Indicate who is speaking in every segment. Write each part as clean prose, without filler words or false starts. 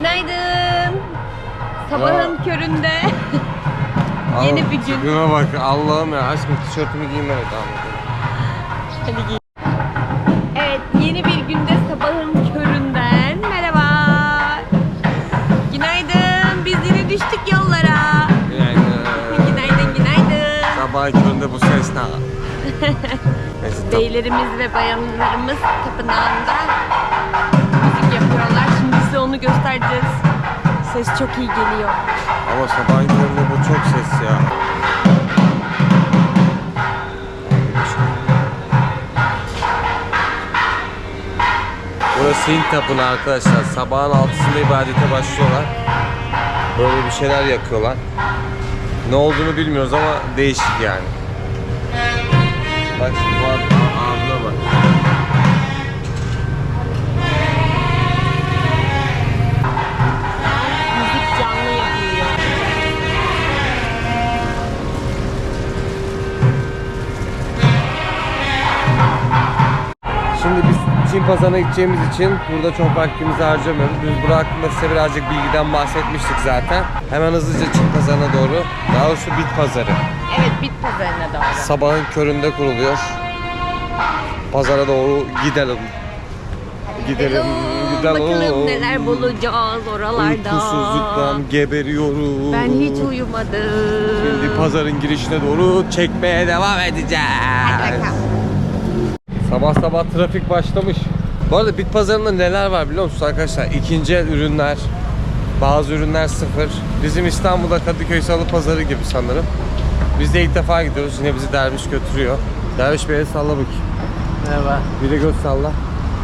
Speaker 1: Günaydın. Sabahın köründe yeni bir gün.
Speaker 2: Tipime bak Allah'ım ya, aşkım tişörtümü giymeme devam.
Speaker 1: Hadi giy. Evet, yeni bir günde sabahın köründen merhaba. Günaydın. Biz yine düştük yollara. Günaydın, günaydın.
Speaker 2: Sabahın köründe bu ses ne?
Speaker 1: Beylerimiz ve bayanlarımız tapınağında müzik yapıyorlar. Şimdi size onu göstereceğiz. Ses çok iyi geliyor.
Speaker 2: Ama sabahın köründe bu çok ses ya. Burası Hint tapınağı arkadaşlar. Sabahın 6'sında ibadete başlıyorlar. Böyle bir şeyler yakıyorlar. Ne olduğunu bilmiyoruz ama değişik yani. Bak şimdi bu abla bak.
Speaker 1: Müzik canlı yapılıyor.
Speaker 2: Şimdi biz Çin pazarına gideceğimiz için burada çok vaktimizi harcamıyoruz. Biz burada hakkında size birazcık bilgiden bahsetmiştik zaten. Hemen hızlıca Çin pazarına doğru, daha doğrusu bit pazarı.
Speaker 1: Evet, bit pazarına doğru.
Speaker 2: Sabahın köründe kuruluyor. Pazara doğru gidelim. Gidelim,
Speaker 1: Bakalım neler bulacağız oralarda.
Speaker 2: Uykusuzluktan geberiyorum.
Speaker 1: Ben hiç uyumadım.
Speaker 2: Şimdi pazarın girişine doğru çekmeye devam edeceğiz.
Speaker 1: Hadi bakalım.
Speaker 2: Sabah sabah trafik başlamış. Bu arada bit pazarında neler var biliyor musunuz arkadaşlar? İkinci el ürünler, bazı ürünler sıfır. Bizim İstanbul'da Kadıköy Salı Pazarı gibi sanırım. Biz de ilk defa gidiyoruz. Yine bizi Derviş götürüyor. Derviş Bey'e salla bakayım.
Speaker 3: Merhaba.
Speaker 2: Bir de göz salla.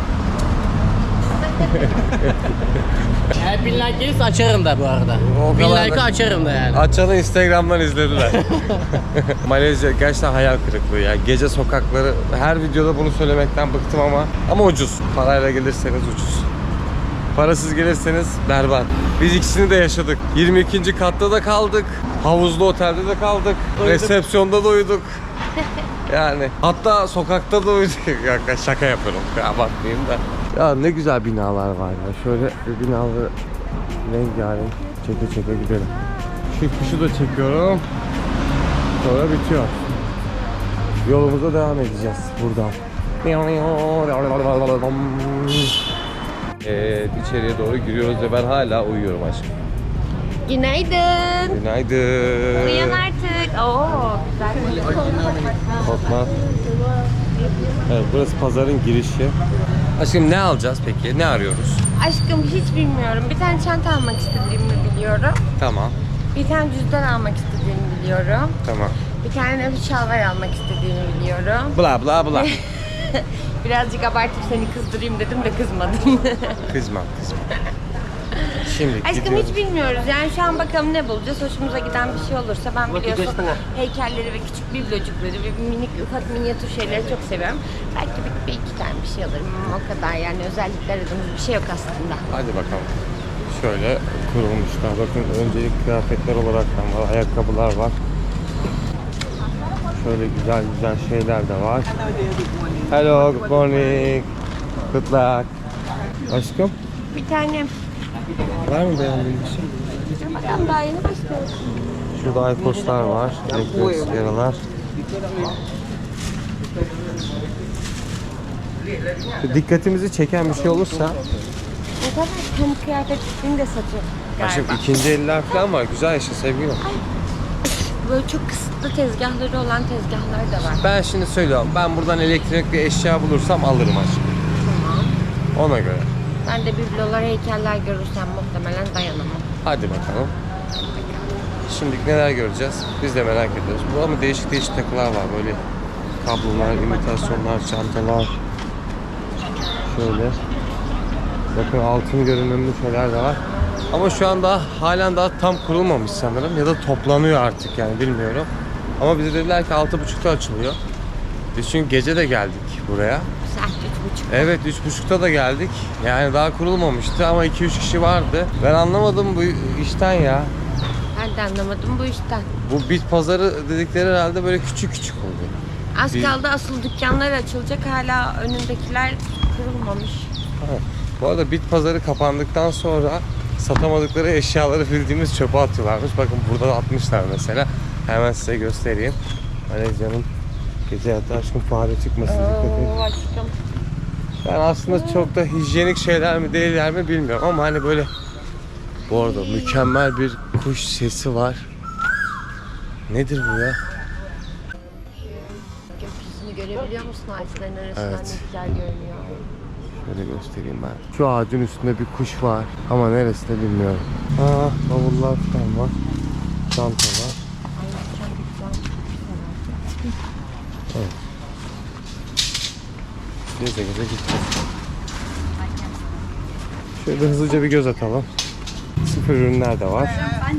Speaker 3: Eğer 1000 like gelirse açarım da bu arada.
Speaker 2: O
Speaker 3: 1000
Speaker 2: kadar
Speaker 3: like'ı
Speaker 2: da-
Speaker 3: açarım da yani.
Speaker 2: Açanı Instagram'dan izlediler. Malezya gerçekten hayal kırıklığı ya. Gece sokakları, her videoda bunu söylemekten bıktım ama ucuz. Parayla gelirseniz ucuz. Parasız gelirseniz berbat. Biz ikisini de yaşadık. 22. katta da kaldık. Havuzlu otelde de kaldık. Resepsiyonda da uyuduk. Yani hatta sokakta da uyuduk. Şaka yapıyorum. Abartmayayım da. Ya ne güzel binalar var ya. Şöyle binaları rengarenk çeke çeke gidelim. Şu kuşu da çekiyorum. Sonra bitiyor. Yolumuza devam edeceğiz buradan. Evet, içeriye doğru giriyoruz ve ben hala uyuyorum aşkım.
Speaker 1: Günaydın.
Speaker 2: Günaydın.
Speaker 1: Uyan artık. Oo, güzel.
Speaker 2: Korkma. Evet, burası pazarın girişi. Aşkım ne alacağız peki? Ne arıyoruz?
Speaker 1: Aşkım hiç bilmiyorum. Bir tane çanta almak istediğimi biliyorum.
Speaker 2: Tamam.
Speaker 1: Bir tane cüzdan almak istediğimi biliyorum.
Speaker 2: Tamam.
Speaker 1: Bir tane de bir şalvar almak istediğimi biliyorum.
Speaker 2: Bla bla bla.
Speaker 1: Birazcık abartıp seni kızdırayım dedim de kızmadım.
Speaker 2: Kızma. Şimdi
Speaker 1: Aşkım
Speaker 2: gidiyoruz.
Speaker 1: hiç bilmiyoruz. Yani şu an bakalım ne bulacağız. Hoşumuza giden bir şey olursa ben biliyorsun heykelleri ve küçük biblocukları ve minik ufak minyatür şeyleri çok seviyorum. Belki bir iki tane bir şey alırım ama o kadar yani özellikle aradığımız bir şey yok aslında.
Speaker 2: Hadi bakalım. Şöyle kurulmuşlar. Bakın öncelik kıyafetler olaraktan var. Ayakkabılar var. Şöyle güzel güzel şeyler de var. Hello, good morning. Good luck. Aşkım,
Speaker 1: Bir tane
Speaker 2: var mı beğendiğin bir şey?
Speaker 1: bakalım daha yeni başlıyoruz.
Speaker 2: Şurada Aykoslar var. Elektronik sigaralar. Dikkatimizi çeken bir şey olursa
Speaker 1: O kadar kendi kıyafetini de satıyor
Speaker 2: aşkım
Speaker 1: galiba.
Speaker 2: ikinci eller falan var. Güzel işte sevgilim.
Speaker 1: Böyle çok kısıtlı tezgahları olan tezgahlar da var.
Speaker 2: Ben şimdi söylüyorum. Ben buradan elektronik bir eşya bulursam alırım aşkım.
Speaker 1: Tamam.
Speaker 2: Ona göre.
Speaker 1: Ben de biblolar, heykeller görürsem muhtemelen dayanamam.
Speaker 2: Hadi bakalım. Şimdi neler göreceğiz? Biz de merak ediyoruz. Bu ama değişik değişik takılar var. Böyle kablolar, imitasyonlar, çantalar. Şöyle. Bakın altın görünümlü şeyler de var. Ama şu anda halen daha tam kurulmamış sanırım. Ya da toplanıyor artık yani bilmiyorum. Ama bize dediler ki 6.30'da açılıyor. Biz çünkü gece de geldik buraya.
Speaker 1: Saat 3.30.
Speaker 2: Evet 3.30'da da geldik. Yani daha kurulmamıştı ama 2-3 kişi vardı. Ben anlamadım bu işten ya.
Speaker 1: Ben de anlamadım bu işten.
Speaker 2: Bu bit pazarı dedikleri herhalde böyle küçük küçük oluyor.
Speaker 1: Az kaldı asıl dükkanlar açılacak. Hala önündekiler kurulmamış.
Speaker 2: Evet. Bu arada bit pazarı kapandıktan sonra satamadıkları eşyaları bildiğimiz çöpe atıyorlarmış. Bakın burada da atmışlar mesela. Hemen size göstereyim. Malezya'nın gece hayatı, aşkım fare çıkmasın, dikkat edin.
Speaker 1: Aşkım.
Speaker 2: Ben aslında çok da hijyenik şeyler mi değiller mi bilmiyorum ama hani böyle, bu arada mükemmel bir kuş sesi var. Nedir bu ya?
Speaker 1: Gökyüzünü görebiliyor musun ağaçların arasından?
Speaker 2: Evet.
Speaker 1: Ne güzel görünüyor.
Speaker 2: Şöyle göstereyim ben. Şu ağacın üstünde bir kuş var ama neresi de bilmiyorum. Aa, bavullar falan var. Çanta var.
Speaker 1: Ay çok güzel.
Speaker 2: Evet. Geze geze gideceğiz. Şöyle hızlıca bir göz atalım. Sıfır ürünler de var.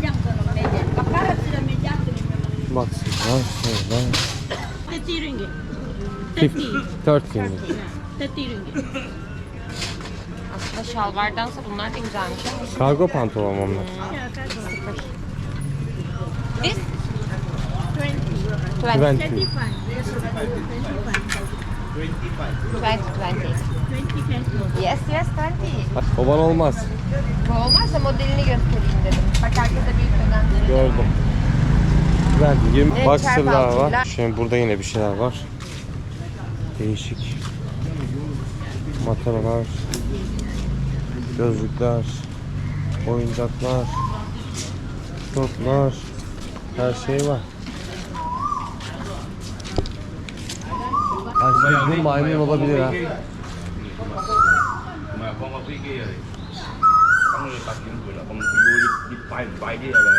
Speaker 2: Baksınlar şöyle.
Speaker 4: 30 ringgit.
Speaker 2: 13 ringgit.
Speaker 4: 30 ringgit.
Speaker 1: Aslında şalvardansa bunlar da güzelmiş ama.
Speaker 2: Kargo pantolon onlar.
Speaker 1: This?
Speaker 2: 20.
Speaker 1: 20. 20. Yes, yes, 20.
Speaker 2: O bana olmaz.
Speaker 1: Bu olmazsa modelini göstereyim dedim. Bak arkada büyük bedenleri.
Speaker 2: Gördüm. Ben 20
Speaker 1: Evet,
Speaker 2: boxer'lar var.
Speaker 1: çarpaltılar.
Speaker 2: Şimdi burada yine bir şeyler var. Değişik. Mataralar. Gözlükler. Oyuncaklar. Toplar. Her şey var. Aslında bu maymun olabilir ha.
Speaker 5: Mà con có cái kia rồi con người tập những người là con vui đi bay bay đi là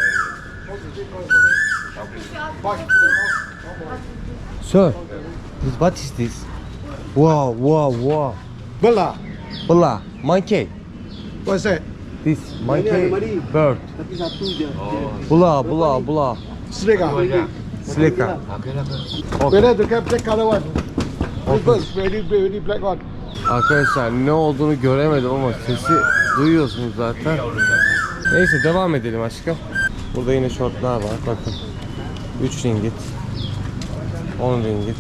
Speaker 2: Sir, what is this? Wow, wow, wow.
Speaker 6: Bella,
Speaker 2: Bula, monkey.
Speaker 6: what's that?
Speaker 2: This monkey bird.
Speaker 6: Tapi satu je.
Speaker 2: Bula, bula, bula.
Speaker 6: Snake ah.
Speaker 2: Slika.
Speaker 6: Whether to get black color one. Reverse, very black one.
Speaker 2: Arkadaşlar ne olduğunu göremedim ama sesi duyuyorsunuz zaten. Neyse devam edelim aşkım. Burada yine şortlar var bakın. 3 ringgit. 10 ringgit.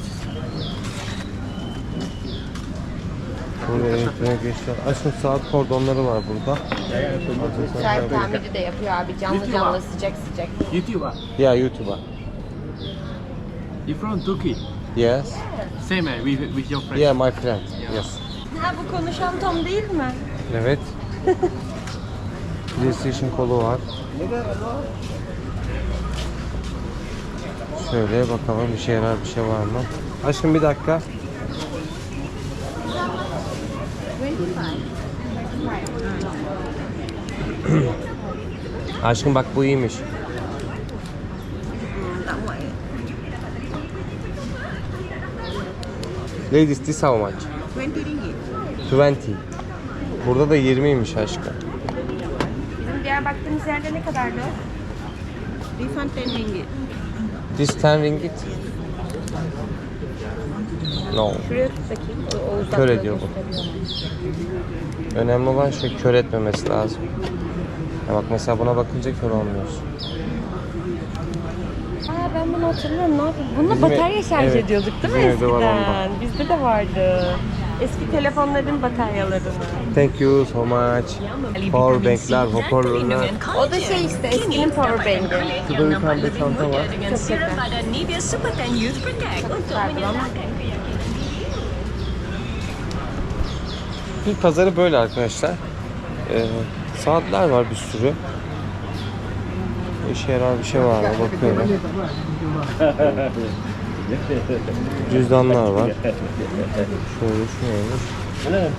Speaker 2: Burada elektronik eşya. Aşkım saat kordonları var burada.
Speaker 1: Saat tamiri de yapıyor abi. Canlı canlı sıcak sıcak.
Speaker 3: YouTube ah?
Speaker 2: Ya YouTube'a.
Speaker 3: You from Turkey?
Speaker 2: Yes.
Speaker 3: Same with your friend.
Speaker 2: Yeah, my friend. Yes.
Speaker 1: Ha bu konuşan Tom değil mi?
Speaker 2: Evet. PlayStation kolu var. Şöyle bakalım bir şey var mı? Aşkım bir dakika. Aşkım bak bu iyiymiş. Ladies, this how much?
Speaker 4: 20 ringgit.
Speaker 2: 20. Burada da 20'ymiş aşkım.
Speaker 1: Bizim diğer baktığımız yerde ne kadardı?
Speaker 4: This one 10 ringgit.
Speaker 2: This 10 ringgit. No.
Speaker 1: Şuraya tut bakayım. O uzaklığı
Speaker 2: Kör ediyor bu.
Speaker 1: gösteriyor.
Speaker 2: Önemli olan şey kör etmemesi lazım. Ya bak mesela buna bakınca kör olmuyorsun.
Speaker 1: Aa ben bunu hatırlıyorum. Ne yapayım? Bununla
Speaker 2: Bizim
Speaker 1: batarya şarj
Speaker 2: evet,
Speaker 1: ediyorduk değil mi
Speaker 2: bizim evde var
Speaker 1: eskiden? Bizde de vardı. Eski telefonların bataryalarını.
Speaker 2: Thank you so much. Powerbankler, hoparlörler.
Speaker 1: O da şey işte eskinin powerbank'i.
Speaker 2: Şurada bir tane de çanta var.
Speaker 4: Serum pada Nivea Superkan Youth Protect untuk menyelamatkan keyakinan
Speaker 2: Bir pazarı böyle arkadaşlar. Saatler var bir sürü. İşe yarar bir şey var mı bakıyorum. Cüzdanlar var. Şöyle şöyle.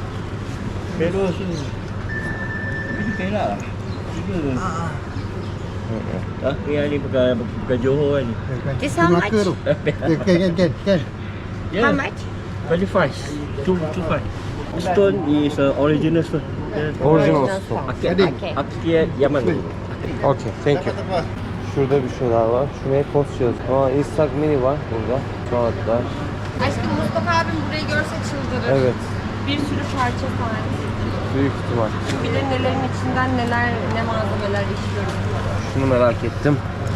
Speaker 5: yang ni bukan Johor kan.
Speaker 1: This how much?
Speaker 6: Can.
Speaker 1: How much?
Speaker 5: 25. 25. Stone is original stone.
Speaker 2: Orijinal stone.
Speaker 1: Okay.
Speaker 5: Akia Yaman.
Speaker 2: Okay, thank you. Şurada bir şeyler var. Şuraya post yazıyor. Aa, Instax mini var burada. Saatler.
Speaker 1: Aşkım Mustafa abim burayı görse çıldırır.
Speaker 2: Evet,
Speaker 1: Bir sürü parça var.
Speaker 2: büyük ihtimal.
Speaker 1: Kim bilir nelerin içinden ne malzemeler işliyor.
Speaker 2: Şunu merak ettim.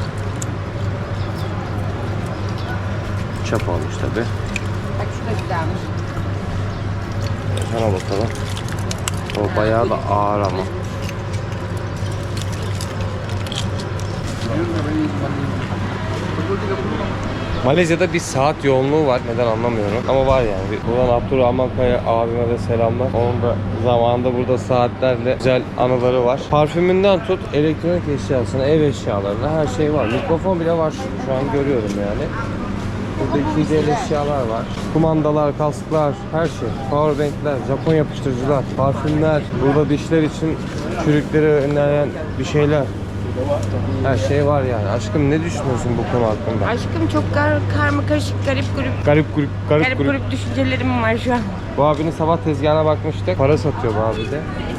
Speaker 2: Çap olmuş tabi.
Speaker 1: Bak şu da güzelmiş.
Speaker 2: Sana bakalım. O bayağı da ağır ama. Malezya'da bir saat yoğunluğu var. Neden anlamıyorum. Ama var yani. Buradan Abdurrahman Kaya abime de selamlar. Onun da zamanında burada saatlerle güzel anıları var. Parfümünden tut, elektronik eşyasına, ev eşyalarına her şey var. Mikrofon bile var şu an görüyorum yani. Burada ikinci el eşyalar var. Kumandalar, kasklar, her şey. Powerbankler, Japon yapıştırıcılar, parfümler. Burada dişler için çürükleri önleyen bir şeyler. Her şey var yani. Aşkım ne düşünüyorsun bu konu hakkında?
Speaker 1: Aşkım çok karma karışık, garip
Speaker 2: Garip grup.
Speaker 1: düşüncelerim var şu an.
Speaker 2: Bu abinin sabah tezgahına bakmıştık. Para satıyor bu abi de.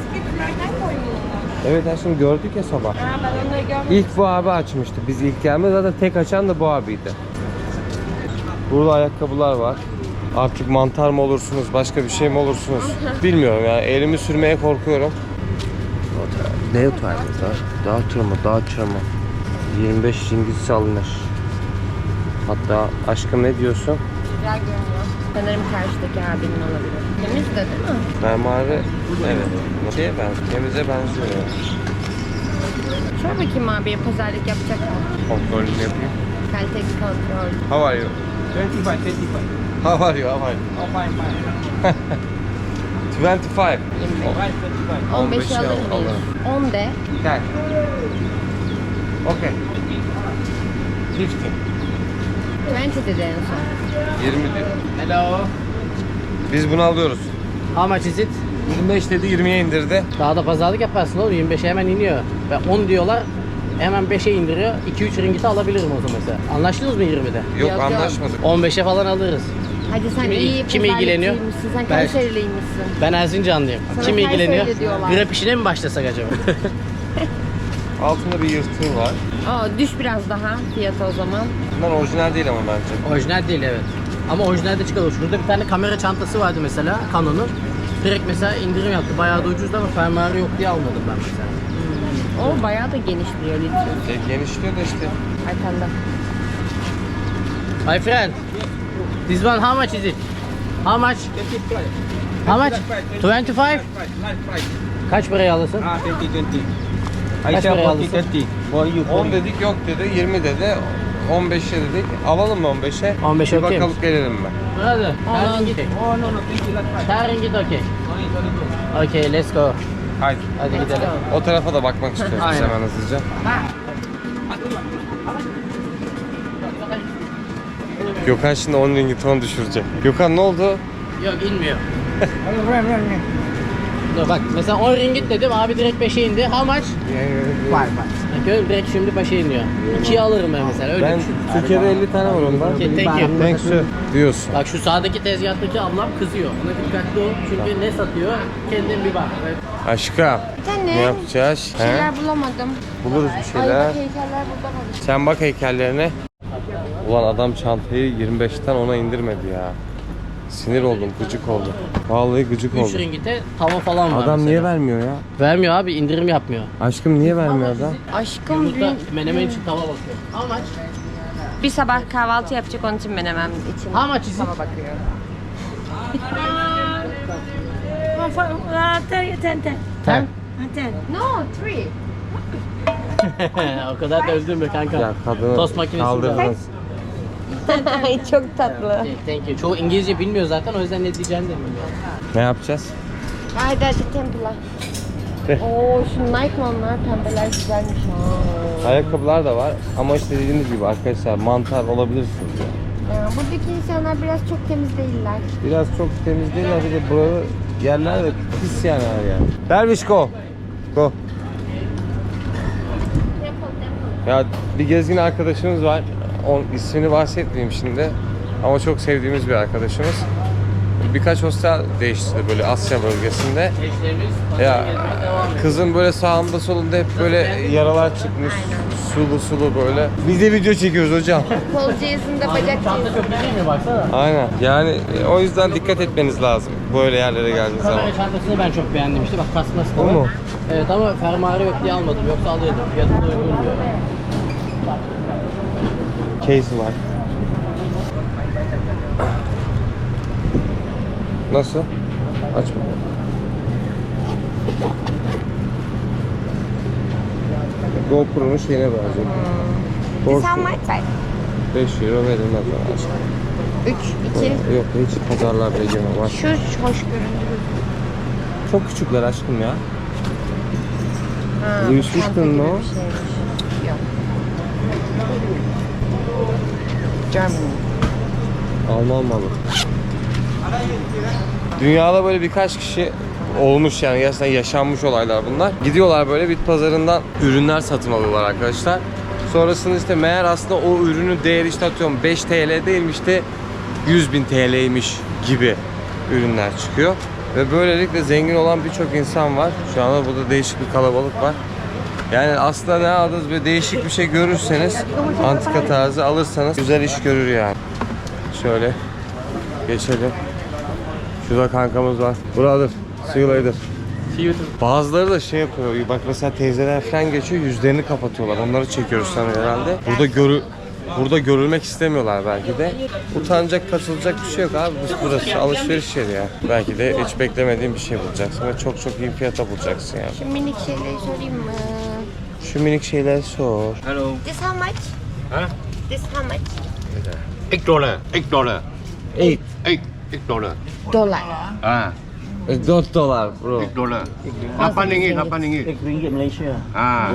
Speaker 2: Evet aşkım gördük ya sabah.
Speaker 1: Ben onları görmedim.
Speaker 2: İlk bu abi açmıştı. Biz ilk gelme zaten tek açan da bu abiydi. Burada ayakkabılar var. Artık mantar mı olursunuz, başka bir şey mi olursunuz? Bilmiyorum yani. Elimi sürmeye korkuyorum. Ne oturdu? Daha tırma. 25 Cengiz alınır. Hatta aşkım ne diyorsun?
Speaker 1: Güzel görünüyor. Sanırım karşıdaki abinin olabilir. Temiz de değil mi?
Speaker 2: Mermari, evet. Şeye benziyor, temize benziyor.
Speaker 1: Şöyle bakayım abiye pazarlık yapacak mı?
Speaker 2: Kontrolünü yapayım.
Speaker 1: Kalite kontrol.
Speaker 2: How are you?
Speaker 5: 25, 25.
Speaker 2: How are you?
Speaker 5: Oh, fine, fine.
Speaker 2: 25.
Speaker 1: 15'i alır mıyız? 10 de.
Speaker 2: Gel. Okay. 15.
Speaker 1: 20 dedi en son.
Speaker 2: 20 diyor.
Speaker 3: Hello.
Speaker 2: Biz bunu alıyoruz.
Speaker 3: How much is it?
Speaker 2: 25 dedi 20'ye indirdi.
Speaker 3: Daha da pazarlık yaparsın oğlum. 25'e hemen iniyor. Ve 10 diyorlar. Hemen 5'e indiriyor. 2-3 ringgit'i alabilirim o zaman mesela. Anlaştınız mı 20'de?
Speaker 2: Yok
Speaker 1: Yok.
Speaker 2: anlaşmadık.
Speaker 3: 15'e falan alırız.
Speaker 1: Hadi sen
Speaker 3: Kim-
Speaker 1: iyi
Speaker 3: kim ilgileniyor?
Speaker 1: pazarlıkçıymışsın. Sen
Speaker 3: Ben-
Speaker 1: Kayseriliymişsin.
Speaker 3: Ben Erzincanlıyım.
Speaker 1: Sana
Speaker 3: Kim ilgileniyor?
Speaker 1: Kayseri diyorlar.
Speaker 3: Grab işine mi başlasak acaba?
Speaker 2: Altında bir yırtığı var.
Speaker 1: Aa, düş biraz daha fiyatı o zaman.
Speaker 2: Bunlar orijinal değil ama bence.
Speaker 3: Orijinal değil evet. Ama orijinalde çıkıyor. Şurada bir tane kamera çantası vardı mesela Canon'un. Direkt mesela indirim yaptı. Bayağı da ucuzdu ama fermuarı yok diye almadım ben mesela.
Speaker 1: O bayağı da geniş duruyor litre.
Speaker 2: Genişliyor da işte.
Speaker 1: Arkanda.
Speaker 3: My friend, this one how much is it? How much? How much? 25? Kaç paraya alırsın?
Speaker 5: Ah, 20, 20.
Speaker 3: Kaç paraya alırsın?
Speaker 5: For you,
Speaker 2: 10 dedik yok dedi, 20 dedi, 15'e dedik. Alalım mı 15'e?
Speaker 3: 15'e
Speaker 2: Bir
Speaker 3: okey
Speaker 2: bakalım gelelim mi?
Speaker 3: Brother,
Speaker 1: On.
Speaker 3: ringgit.
Speaker 5: Oh, no, 20, let's try.
Speaker 3: 10 ringgit okay.
Speaker 5: Sorry.
Speaker 3: Okay, let's go.
Speaker 2: Haydi.
Speaker 3: Hadi gidelim.
Speaker 2: O tarafa da bakmak istiyoruz biz
Speaker 3: Aynen.
Speaker 2: hemen hızlıca. Gökhan şimdi 10 ringgit 10 düşürecek. Gökhan ne oldu?
Speaker 3: Yok inmiyor. Dur bak mesela 10 ringgit dedim abi direkt 5'e indi. How much? Bak gördün direkt şimdi 5'e iniyor. 2'ye alırım ben mesela öyle
Speaker 2: Ben
Speaker 3: düşün.
Speaker 2: Türkiye'de 50 tane var ondan.
Speaker 3: Okay, thank you.
Speaker 2: Thanks you diyorsun.
Speaker 3: Bak şu sağdaki tezgahtaki ablam kızıyor. Ona dikkatli ol çünkü ne satıyor kendin bir bak.
Speaker 2: Aşkım
Speaker 1: Sen
Speaker 2: ne
Speaker 1: ne?
Speaker 2: yapacağız?
Speaker 1: Bir şeyler
Speaker 2: He?
Speaker 1: bulamadım.
Speaker 2: Buluruz bir
Speaker 1: Ay
Speaker 2: şeyler.
Speaker 1: bak heykeller burada var.
Speaker 2: Sen bak heykellerine. Ulan adam çantayı 25'ten 10'a indirmedi ya. Sinir oldum, gıcık oldum. Vallahi gıcık
Speaker 3: 3
Speaker 2: oldum.
Speaker 3: ringgite tava falan var
Speaker 2: Adam
Speaker 3: mesela.
Speaker 2: niye vermiyor ya?
Speaker 3: Vermiyor abi indirim yapmıyor.
Speaker 2: Aşkım niye vermiyor adam?
Speaker 1: Aşkım
Speaker 3: Yumurta menemen için tava bakıyor. How much?
Speaker 1: bir sabah kahvaltı yapacak onun için menemem için.
Speaker 3: How much is it?
Speaker 1: Tava bakıyor.
Speaker 3: 10?
Speaker 1: No, 3.
Speaker 3: O kadar da öldün mü kanka?
Speaker 2: Ya kadını
Speaker 3: Tost makinesi
Speaker 2: kaldırdınız.
Speaker 1: Ay çok tatlı.
Speaker 3: Thank you. Çoğu İngilizce bilmiyor zaten o yüzden ne diyeceğini de bilmiyor.
Speaker 2: Ne yapacağız?
Speaker 1: Haydi hadi Temple'a. Oo şu Nike onlar pembeler güzelmiş ha.
Speaker 2: Ayakkabılar da var ama işte dediğiniz gibi arkadaşlar mantar olabilirsiniz ya.
Speaker 1: Buradaki insanlar biraz çok temiz değiller.
Speaker 2: Biraz çok temiz değiller bir de burada yerler de pis yani her yer. Derviş go. Go. Ya bir gezgin arkadaşımız var. İsmini bahsetmeyeyim şimdi. Ama çok sevdiğimiz bir arkadaşımız. Birkaç hostel değiştirdi böyle Asya bölgesinde.
Speaker 3: Eşlerimiz
Speaker 2: Ya
Speaker 3: gezmeye devam ediyor.
Speaker 2: kızın böyle sağında solunda hep böyle yaralar çıkmış. Sulu sulu böyle. Biz de video çekiyoruz hocam.
Speaker 1: Kol cihazında bacak
Speaker 3: Çanta
Speaker 1: cihazında.
Speaker 3: çok değil mi baksana?
Speaker 2: Aynen. Yani o yüzden dikkat etmeniz lazım böyle yerlere geldiğiniz zaman.
Speaker 3: Kamera çantasını ben çok beğendim işte bak kasması da
Speaker 2: O
Speaker 3: var.
Speaker 2: mu?
Speaker 3: Evet ama fermuarı yok diye almadım yoksa alıyordum. Fiyatı da uygun diyor.
Speaker 2: Case var. Nasıl? Aç bakalım. GoPro'nun şeyine benziyor.
Speaker 1: This how much?
Speaker 2: 5 euro verilmez bana aşkım.
Speaker 1: 3, 2.
Speaker 2: Yok hiç pazarlarda yemem var.
Speaker 1: Şu hoş göründü.
Speaker 2: Çok küçükler aşkım ya.
Speaker 1: Ha,
Speaker 2: Louis
Speaker 1: çanta
Speaker 2: Vuitton
Speaker 1: gibi
Speaker 2: mu?
Speaker 1: bir şeymiş. Yok. Germany.
Speaker 2: Alman malı. Dünyada böyle birkaç kişi olmuş yani gerçekten yaşanmış olaylar bunlar. Gidiyorlar böyle bit pazarından ürünler satın alıyorlar arkadaşlar. Sonrasında işte meğer aslında o ürünün değeri işte atıyorum 5 TL değilmiş de 100.000 TL'ymiş gibi ürünler çıkıyor. Ve böylelikle zengin olan birçok insan var. Şu anda burada değişik bir kalabalık var. Yani aslında ne aldınız böyle değişik bir şey görürseniz antika tarzı alırsanız güzel iş görür yani. Şöyle geçelim. Şurada kankamız var. Brother, see you later. Bazıları da şey yapıyor. Bak mesela teyzeler falan geçiyor, yüzlerini kapatıyorlar. Onları çekiyoruz sanırım herhalde. Burada görülmek istemiyorlar belki de. Utanacak, kaçılacak bir şey yok abi. Burası alışveriş yeri ya. Belki de hiç beklemediğin bir şey bulacaksın ve çok iyi fiyata bulacaksın yani.
Speaker 1: Şu minik şeyleri sorayım mı?
Speaker 2: Şu minik şeyler sor.
Speaker 5: Hello.
Speaker 1: This how much?
Speaker 5: Huh?
Speaker 1: This how much?
Speaker 5: $8. $8.
Speaker 2: 8
Speaker 5: $8.
Speaker 1: Dolar.
Speaker 5: Ah,
Speaker 2: $4 bro.
Speaker 5: $8. 8 ringgit, 8 ringgit.
Speaker 3: Ringgit Malaysia.
Speaker 5: Ah.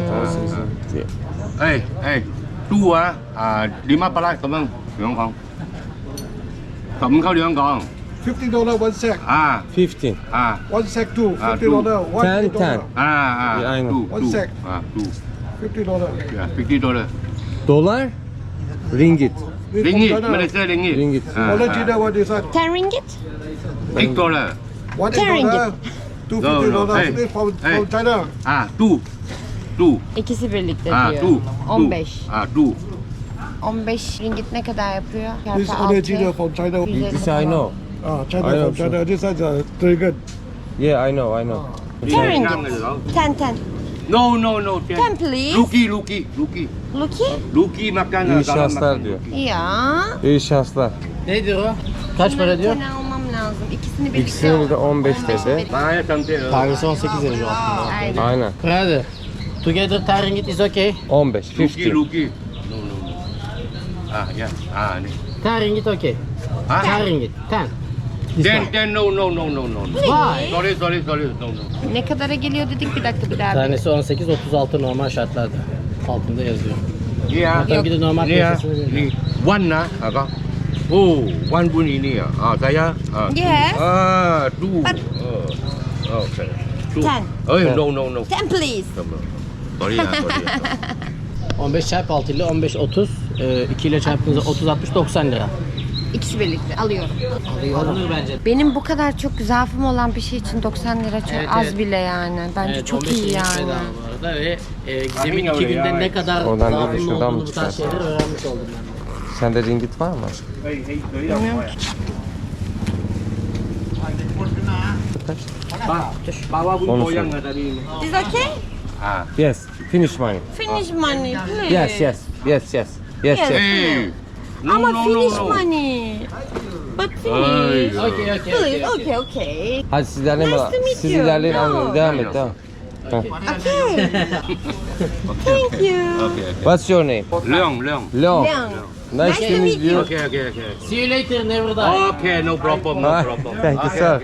Speaker 5: Tu á, 500 咁樣兩港，15溝兩港。
Speaker 6: $50 one sack.
Speaker 5: Ah,
Speaker 2: 15.
Speaker 5: ah,
Speaker 6: One sack too.
Speaker 5: Ah,
Speaker 6: $50. One
Speaker 2: 10, 10.
Speaker 6: $50.
Speaker 5: ah,
Speaker 2: Yeah, I know.
Speaker 5: two,
Speaker 6: One
Speaker 5: two.
Speaker 6: sec.
Speaker 5: Ah, two.
Speaker 6: $50.
Speaker 5: Yeah, $50.
Speaker 2: Dolar, ringgit.
Speaker 6: This from
Speaker 5: Ringgit,
Speaker 6: China.
Speaker 5: Malaysia ringgit.
Speaker 2: Ringgit.
Speaker 5: Ah,
Speaker 6: Original what is that?
Speaker 1: 10 ringgit?
Speaker 5: $8.
Speaker 6: One
Speaker 1: $10.
Speaker 6: $8. Two
Speaker 5: No, no.
Speaker 6: $50.
Speaker 5: Hey.
Speaker 6: This from
Speaker 5: Hey.
Speaker 6: China.
Speaker 5: Ah, two. Two.
Speaker 1: İkisi birlikte
Speaker 5: Ah,
Speaker 1: diyor.
Speaker 5: two.
Speaker 1: 15.
Speaker 5: Ah, two.
Speaker 1: 15 ringgit ne kadar yapıyor?
Speaker 6: This
Speaker 1: Çarpı
Speaker 6: original
Speaker 1: 6.
Speaker 6: from China.
Speaker 2: This I know.
Speaker 6: China
Speaker 2: I know,
Speaker 6: from China. This is a dragon.
Speaker 2: Yeah, I know, I know.
Speaker 1: 10 ringgit. 10.
Speaker 5: No, no, no.
Speaker 1: 10 please.
Speaker 5: Luki, Luki, Luki.
Speaker 1: Lucky?
Speaker 5: Luki makan.
Speaker 2: İyi şanslar diyor.
Speaker 1: Ya.
Speaker 2: İyi şanslar.
Speaker 3: Nedir o? Kaç para diyor?
Speaker 1: Bir tane almam lazım. İkisini birlikte
Speaker 2: İkisini de 15 dedi.
Speaker 5: Bana sampai.
Speaker 3: Tanesi 18 lira aslında.
Speaker 1: Aynen.
Speaker 2: Aynen.
Speaker 3: Brother, together 10 ringgit is okay.
Speaker 2: 15,
Speaker 5: Luki,
Speaker 2: 50.
Speaker 5: Luki. No, no, no. Ah, ya. Ah, ni.
Speaker 3: 10 ringgit okay.
Speaker 5: Ah?
Speaker 3: 10 ringgit. 10. This one.
Speaker 5: Then, no, no, no, no, no.
Speaker 3: Why?
Speaker 5: Sorry, no, no.
Speaker 1: Ne kadara geliyor dedik bir dakika bir daha.
Speaker 3: Tanesi 18, 36 normal şartlarda. Altında yazıyor.
Speaker 5: Yeah.
Speaker 3: Zaten bir de normal
Speaker 5: Ni ah,
Speaker 3: piyasasını veriyor.
Speaker 5: ni one lah, apa? Oh, one pun ini ah. Ah, saya. Ah, two.
Speaker 1: Yes.
Speaker 5: Ah, two.
Speaker 1: But-
Speaker 5: Okay. Two.
Speaker 1: 10.
Speaker 5: Oh, no, no, no.
Speaker 1: 10 please.
Speaker 5: Sorry ah, sorry.
Speaker 3: 15 çarpı 6 ile 15, 30. 2 ile çarptığınızda 30, 60, 90 lira.
Speaker 1: İkisi birlikte alıyorum.
Speaker 3: Alınır bence.
Speaker 1: Benim bu kadar çok zaafım olan bir şey için 90 lira çok
Speaker 3: Evet,
Speaker 1: az
Speaker 3: evet.
Speaker 1: bile yani. Bence
Speaker 3: Evet,
Speaker 1: çok
Speaker 3: 15
Speaker 1: iyi
Speaker 3: ringgit
Speaker 1: yani.
Speaker 3: bedava bu arada ve Gizem'in 2 günde ne kadar
Speaker 2: Oradan değil de
Speaker 3: zaafının
Speaker 2: şuradan mı
Speaker 3: olduğunu bu tarz
Speaker 2: çıkarsın?
Speaker 3: şeyleri öğrenmiş oldum ben.
Speaker 2: Sende ringgit var mı?
Speaker 1: Bilmiyorum ki.
Speaker 5: Bawa pun
Speaker 2: Onu
Speaker 5: goyang
Speaker 2: sor.
Speaker 5: lah tadi.
Speaker 1: Is okay?
Speaker 5: Ah.
Speaker 2: Yes, finish money.
Speaker 1: Finish money please.
Speaker 2: Yes, yes, yes, yes. Yes,
Speaker 1: Yes.
Speaker 2: yes.
Speaker 5: Hey. No,
Speaker 1: Ama
Speaker 5: no,
Speaker 1: finish
Speaker 5: no, no.
Speaker 1: money. But
Speaker 5: Ay.
Speaker 1: finish.
Speaker 3: Okay,
Speaker 1: Please, okay.
Speaker 2: Hadi siz ilerleyin.
Speaker 1: Nice to meet
Speaker 2: Siz
Speaker 1: you.
Speaker 2: ilerleyin.
Speaker 1: No.
Speaker 2: Devam et, devam. Heh.
Speaker 1: Okay. Thank you.
Speaker 5: Okay.
Speaker 2: What's your name?
Speaker 5: Leong.
Speaker 2: Leon.
Speaker 1: Leon.
Speaker 2: Nice to meet you.
Speaker 5: Okay.
Speaker 3: See you later, never die.
Speaker 5: Okay, no problem,
Speaker 2: Ah,
Speaker 5: no problem.
Speaker 2: Thank you, sir.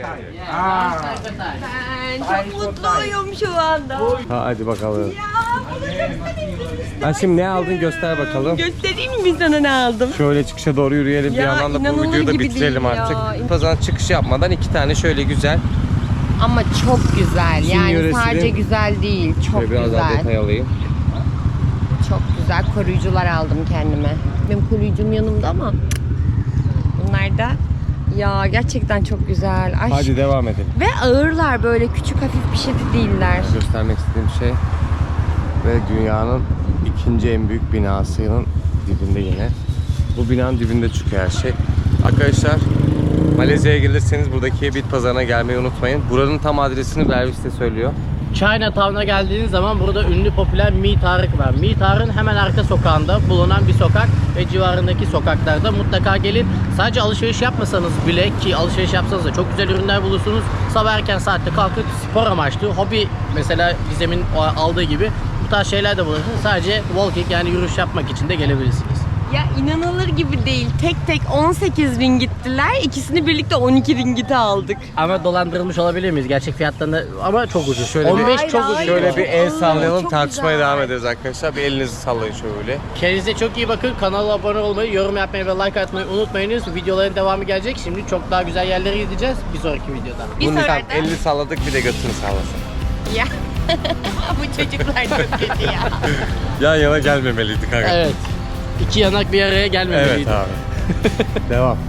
Speaker 1: Ben çok mutluyum şu anda.
Speaker 2: Ha, hadi bakalım.
Speaker 1: Ya bunu göstereyim.
Speaker 2: Ha, şimdi ne aldın göster bakalım.
Speaker 1: Göstereyim mi sana ne aldım?
Speaker 2: Şöyle çıkışa doğru yürüyelim bir
Speaker 1: Ya,
Speaker 2: yandan da bu
Speaker 1: inanılır
Speaker 2: videoyu da
Speaker 1: gibi
Speaker 2: bitirelim
Speaker 1: değil ya.
Speaker 2: artık. Pazar çıkış yapmadan 2 tane şöyle güzel.
Speaker 1: Ama çok güzel.
Speaker 2: Çin
Speaker 1: Yani
Speaker 2: yöresinin-
Speaker 1: sadece güzel değil. Çok
Speaker 2: Şöyle biraz daha
Speaker 1: güzel.
Speaker 2: detay alayım.
Speaker 1: Çok güzel koruyucular aldım kendime. Benim koruyucum yanımda ama bunlar da ya gerçekten çok güzel. Ay,
Speaker 2: Hadi devam edelim.
Speaker 1: ve ağırlar böyle küçük hafif bir şey de değiller.
Speaker 2: Göstermek istediğim şey ve dünyanın ikinci en büyük binasının dibinde yine. Bu binanın dibinde çıkıyor her şey. Arkadaşlar Malezya'ya gelirseniz buradaki bit pazarına gelmeyi unutmayın. Buranın tam adresini Bervis de söylüyor.
Speaker 3: Chinatown'a geldiğiniz zaman burada ünlü popüler Mi Tarık var. Mi Tarık'ın hemen arka sokağında bulunan bir sokak ve civarındaki sokaklarda mutlaka gelin. Sadece alışveriş yapmasanız bile, ki alışveriş yapsanız da çok güzel ürünler bulursunuz. Sabah erken saatte kalkıp spor amaçlı, hobi, mesela Gizem'in aldığı gibi bu bu tarz şeyler de bulunsun. Sadece walking yani yürüyüş yapmak için de gelebilirsiniz.
Speaker 1: Ya inanılır gibi değil. Tek tek 18 ringittiler. İkisini birlikte 12 ringite aldık.
Speaker 3: Ama dolandırılmış olabilir miyiz? Gerçek fiyatlarında ama çok ucuz.
Speaker 2: Şöyle
Speaker 3: 15
Speaker 1: Hayır,
Speaker 3: çok
Speaker 1: hayır.
Speaker 3: ucuz.
Speaker 2: Şöyle bir el
Speaker 1: Aa,
Speaker 2: sallayalım,
Speaker 1: çok
Speaker 2: tartışmaya
Speaker 1: güzel.
Speaker 2: devam ederiz arkadaşlar. Bir elinizi sallayın şöyle.
Speaker 3: Kendinize çok iyi bakın. Kanala abone olmayı, yorum yapmayı ve like atmayı unutmayınız. Videoların devamı gelecek. Şimdi çok daha güzel yerlere gideceğiz. Bir sonraki videoda.
Speaker 1: Bir
Speaker 2: Bunu
Speaker 1: sonraki-
Speaker 2: elini salladık, bir de götünü sallasın.
Speaker 1: Ya. Bu çocuklar çok kötü ya.
Speaker 2: Yan yana gelmemeliydik kanka.
Speaker 3: Evet. İki yanak bir araya gelmemeliydi.
Speaker 2: Evet abi. Devam.